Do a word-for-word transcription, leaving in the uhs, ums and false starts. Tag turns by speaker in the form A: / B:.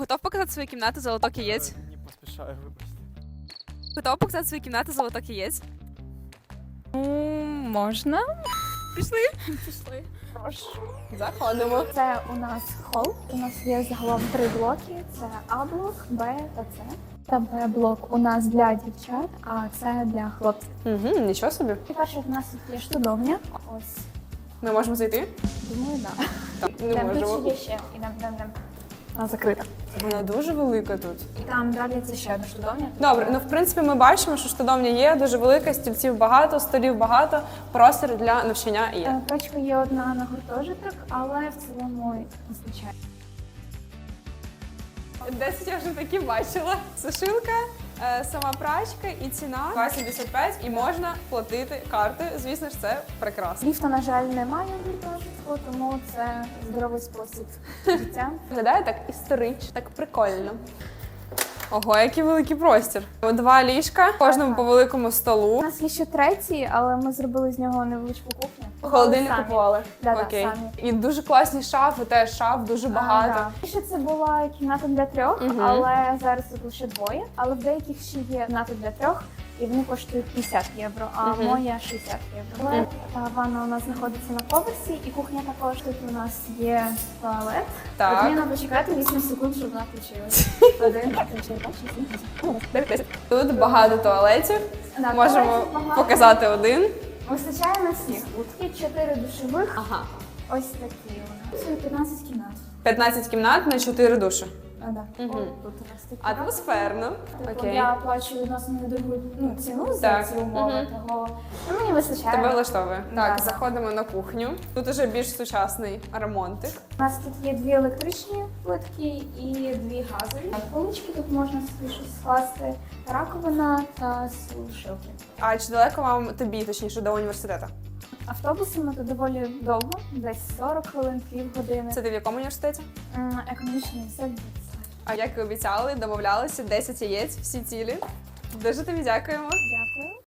A: Готов показати свою кімнату золоток яєць?
B: Не поспішаю, вибачте.
A: Готов показати свою кімнату золоток яєць?
C: Можна.
A: Пішли?
C: Пішли.
A: Заходимо.
C: Це у нас хол. У нас є загалом три блоки. Це А-блок, Б та С. Та Б-блок у нас для дівчат, а це для хлопців.
A: Угу, нічого собі.
C: І перше, у нас тут є штудовня. Ось,
A: Ми можемо зайти?
C: думаю, так.
A: Так, не
C: Там
A: можемо.
C: тут ще є ще. Ідем, ідем, ідем. Вона закрита.
A: Вона дуже велика тут.
C: І там далі це ще одна штудовня.
A: Добре, ну в принципі ми бачимо, що штодовня є, дуже велика, стільців багато, столів багато, простір для навчання є.
C: Е, Точка є одна на гуртожиток, але в цілому вистачає.
A: Десять я вже такі бачила. Сушилка, е, сама прачка і ціна два сімдесят п'ять, і можна платити картою. Звісно ж, це прекрасно.
C: Ліфта, на жаль, немає в гуртожитку, тому це здоровий спосіб життя.
A: Виглядає так історично, так прикольно. Ого, який великий простір. Два ліжка, кожному по великому
C: У
A: столу.
C: нас є ще третій, але ми зробили з нього невеличку кухню.
A: Холодильник
C: Самі.
A: купували.
C: Да-да,
A: Окей.
C: самі.
A: І дуже класні шафи, теж шаф дуже багато.
C: А, да. Ще це була кімната для трьох,
A: Мгм.
C: але зараз тут лише двоє. Але в деяких ще є кімната для трьох, і вони коштують п'ятдесят євро, а
A: Мгм.
C: моя шістдесят євро. Але та ванна у нас знаходиться на поверсі, і кухня також. Тут у нас є туалет.
A: Так.
C: От мені треба чекати вісім секунд, щоб вона включилась. Один, два, три, чотири, п'ять, шість, сім, вісім.
A: дев'ять, десять. Тут багато туалетів.
C: Да,
A: Можемо
C: туалетів багато.
A: показати один.
C: Вистачає на всіх. Тут є чотири душових.
A: Ага.
C: Ось такі у нас. Це п'ятнадцять кімнат.
A: п'ятнадцять кімнат на чотири душі.
C: А, да.
A: Мгм.
C: О, тут у нас такі.
A: Атмосферно.
C: Типу,
A: Окей.
C: я плачу відносно недорогу ну, ціну за
A: Так.
C: ці умови,
A: Мгм.
C: того ну, мені вистачає.
A: Тебе влаштовує. Так,
C: Да.
A: заходимо на кухню. Тут уже більш сучасний ремонтик.
C: У нас тут є дві електричні плитки і дві газові. Полички тут можна собі щось скласти, раковина та сушилки.
A: А чи далеко вам тобі, точніше, до університету?
C: Автобусами тут доволі довго, десь сорок хвилин, півгодини.
A: Це ти в якому університеті?
C: М, Економічний інститут.
A: А як і обіцяли, домовлялися, десять яєць, всі цілі. Дуже тобі дякуємо.
C: Дякую.